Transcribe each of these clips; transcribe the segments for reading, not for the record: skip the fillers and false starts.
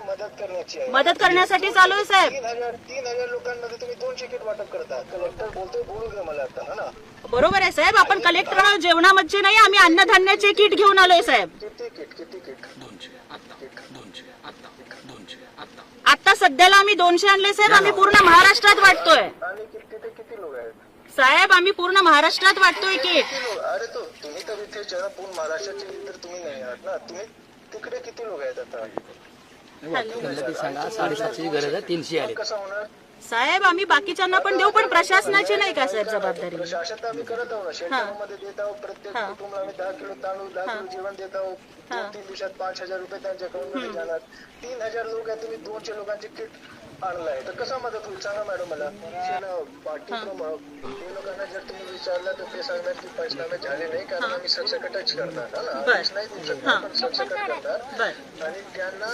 मदत करण्यासाठी चालू आहे साहेब. 3,000 लोकांमध्ये तुम्ही 2 किट वाटप करता. कलेक्टर बोलतोय, बोलू द्या मला आता. है ना, बरोबर आहे साहेब. आपण कलेक्टर जेवणामध्ये नाही, आम्ही अन्नधान्याचे किट घेऊन आलोय साहेब. किती किट? 200 आता आता सध्याला आम्ही 200 आणले साहेब. आम्ही पूर्ण महाराष्ट्रात वाटतोय आणि तिथे किती लोक आहेत साहेब. आम्ही पूर्ण महाराष्ट्रात वाटतोय किट. अरे तो तुम्ही तर इथे पूर्ण महाराष्ट्राचे तर तुम्ही नाही आहात ना. तुम्ही तिकडे किती लोक आहेत आता? सांगा 750ची गरज आहे, 300 आले. कसं होणार साहेब? आम्ही बाकीच्यांना पण देऊ, पण प्रशासनाची नाही का साहेब जबाबदारी? प्रशासन तर आम्ही करत आहोत. शेतकऱ्यांमध्ये देत आहोत. प्रत्येक कुटुंबाला आम्ही 10 किलो तांदूळ, 10 किलो जेवण देत आहोत. 2-3 दिवसात 5,000 रुपये त्यांच्या अकाउंटमध्ये जाणार. 3,000 लोक आहेत, तुम्ही 200 लोकांचे किट आणलाय तर कसा मदत होईल सांगा मॅडम मला. पाठीप्रमाणे ते लोकांना जर तुम्ही विचारलं तर ते सांगणार की पंचनामे झाले नाही, कारण आम्ही सरसकटच करणार ना. आदेश नाही देऊ शकत, पण सरसकट करणार. आणि त्यांना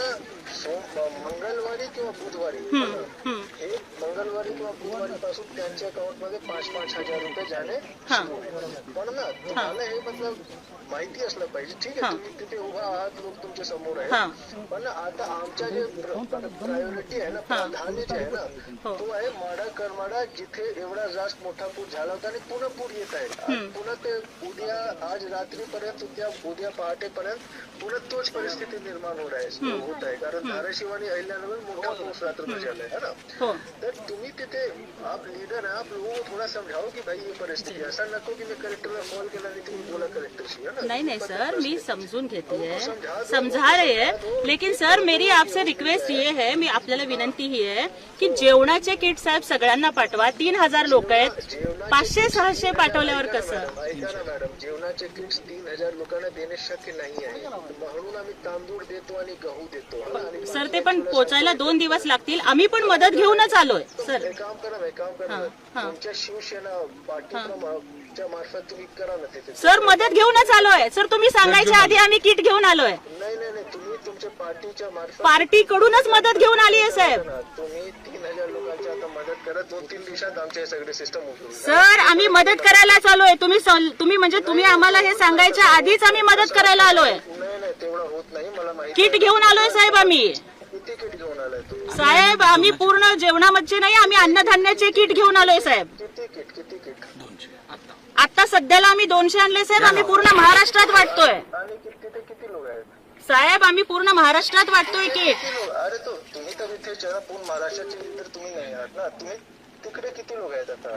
मंगळवारी किंवा बुधवारी, हे मंगळवारी किंवा बुधवारी पासून त्यांच्या अकाउंट मध्ये 5,000 रुपये जाणे सुरू होईल. पण ना तुम्हाला हे मतलब माहिती असलं पाहिजे. ठीक आहे, तुम्ही तिथे उभा आहात, लोक तुमच्या समोर आहेत, पण आता आमच्या जे प्रायोरिटी आहे ना, प्राधान्य जे आहे ना, तो आहे माडा करमाडा, जिथे एवढा जास्त मोठा पूर झाला होता आणि पुन्हा पूर येत आहे. पुन्हा ते उद्या, आज रात्रीपर्यंत, उद्या पहाटेपर्यंत पुन्हा तोच परिस्थिती निर्माण होत आहे. कारण धाराशिव आणि अहिल्यानगर मोठा पाऊस रात्र झालाय है ना. तर तुम्ही तिथे आप लीडर आहे, आप लोगों को थोड़ा समझाओ की भाई ये परिस्थिती. असा नको की मी कलेक्टरला कॉल केला आणि तुम्ही बोला कलेक्टरशी. है ना, नहीं सर, मैं समझून घेती है, समझा रहे हैं. लेकिन सर मेरी आपसे रिक्वेस्ट ये है, मी आपल्याला विनंती ही आहे की जेवणाचे किट साहेब सगळ्यांना पाठवा. 3,000 लोक आहेत, 500-600 पाठवल्यावर कसं? ऐका ना मॅडम, जेवणाचे किट्स 3,000 लोकांना देणे शक्य नाही आहे, म्हणून आम्ही तांदूळ देतो आणि गहू देतो. सर ते पण पोचायला 2 दिवस लागतील. आम्ही पण मदत घेऊनच आलोय सर. हे काम करा, तुमच्या शिवसेना पाठीच्या मार्फत तुम्ही करा ना तिथे. सर मदत घेऊनच आलोय सर. तुम्ही सांगायच्या आधी आम्ही किट घेऊन आलोय. नाही, तुम्ही तुमच्या पार्टीच्या मार्फत, पार्टी कडूनच मदत घेऊन आली आहे साहेब. तुम्ही 3,000 लोकांची आता मदत करा. 2-3 दिवसात आमचे सगळे सिस्टम होईल. सर आम्ही मदत करायला आलोय. तुम्ही म्हणजे तुम्ही आम्हाला हे सांगायच्या आधीच आम्ही मदत करायला आलोय. नाही, तेवढं होत नाही, मला माहिती. किट घेऊन आलोय साहेब आम्ही. किती किट घेऊन आलाय तुम्ही? साहेब आम्ही पूर्ण जेवणामध्ये नाही, आम्ही अन्नधान्याचे किट घेऊन आलोय साहेब. किती किट? 200 आता सध्याला आम्ही 200 आणले साहेब. आम्ही पूर्ण महाराष्ट्रात वाटतोय आणि तिथे किती लोक आहेत साहेब. आम्ही पूर्ण महाराष्ट्रात वाटतोय किट. अरे तो तुम्ही तर इथे पूर्ण महाराष्ट्राचे तर तुम्ही नाही आहात ना. तुम्ही तिकडे किती लोक आहेत आता?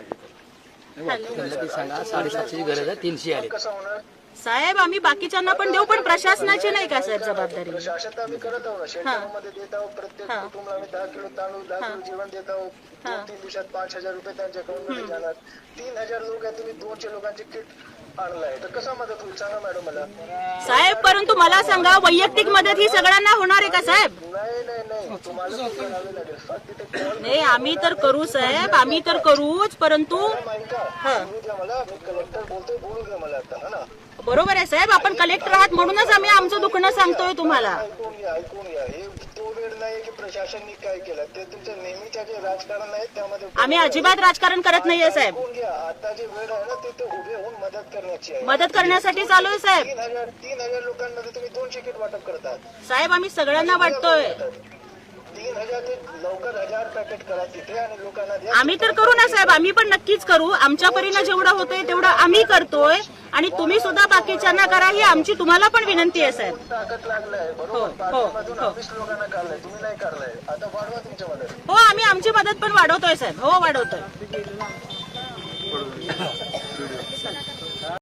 सांगा 750ची गरज आहे, 300 आले. कसं होणार साहेब? आम्ही बाकीच्यांना पण देऊ, पण प्रशासनाची नाही का साहेब जबाबदारी? प्रशासन तर आम्ही करत आहोत. शेतकऱ्यांमध्ये देत आहोत. प्रत्येक कुटुंबाला आम्ही 10 किलो तांदूळ, 10 किलो जेवण देत आहोत. 2-3 दिवसात 5,000 रुपये त्यांच्या अकाउंटमध्ये जाणार. 3,000 लोक आहेत, तुम्ही 200 लोकांचे किट आणलाय तर कसा मदत होईल सांगा मॅडम मला. साहेब परंतु मला सांगा, वैयक्तिक मदत ही सगळ्यांना होणार आहे का साहेब? नाही, तुम्हाला करावे लागेल. फक्त तिथे कॉल नाही, आम्ही तर करू साहेब, आम्ही तर करूच, परंतु बोलू द्या मला. मी कलेक्टर बोलतोय, बोलू द्या मला आता. है ना, बरोबर आहे साहेब. आपण कलेक्टर आहात म्हणूनच आम्ही आमचं दुखणं सांगतोय तुम्हाला. ऐकून घ्या. हे तो वेळ नाही की प्रशासनाने काय केलं. ते तुमचं नेहमीच्या जे राजकारण आहे त्यामध्ये आम्ही अजिबात राजकारण करत नाहीये साहेब. ऐकून घ्या. आता जे वेळ आहे ना, ते उभे होऊन मदत करण्याची आहे. मदत करण्यासाठी चालू आहे साहेब. 3,000 लोकांमध्ये तुम्ही 200 किट वाटप करतात साहेब. आम्ही सगळ्यांना वाटतोय. 3,000 ते लवकर 1,000 पॅकेट करा तिथे आणि लोकांना द्या. आम्ही तर करू ना साहेब, आम्ही पण नक्कीच करू. आमच्या परीनं जेवढं होतंय तेवढं आम्ही करतोय आणि तुम्ही सुद्धा बाकीच्यांना करा, ही आमची तुम्हाला पण विनंती आहे साहेब. ताकद लागलाय बरोबर. पाठीमधून 20 लोकांना काढलाय, तुम्ही नाही काढलाय. आता वाढवा तुमच्या मदत. हो, आम्ही आमची मदत पण वाढवतोय साहेब. हो, वाढवतोय.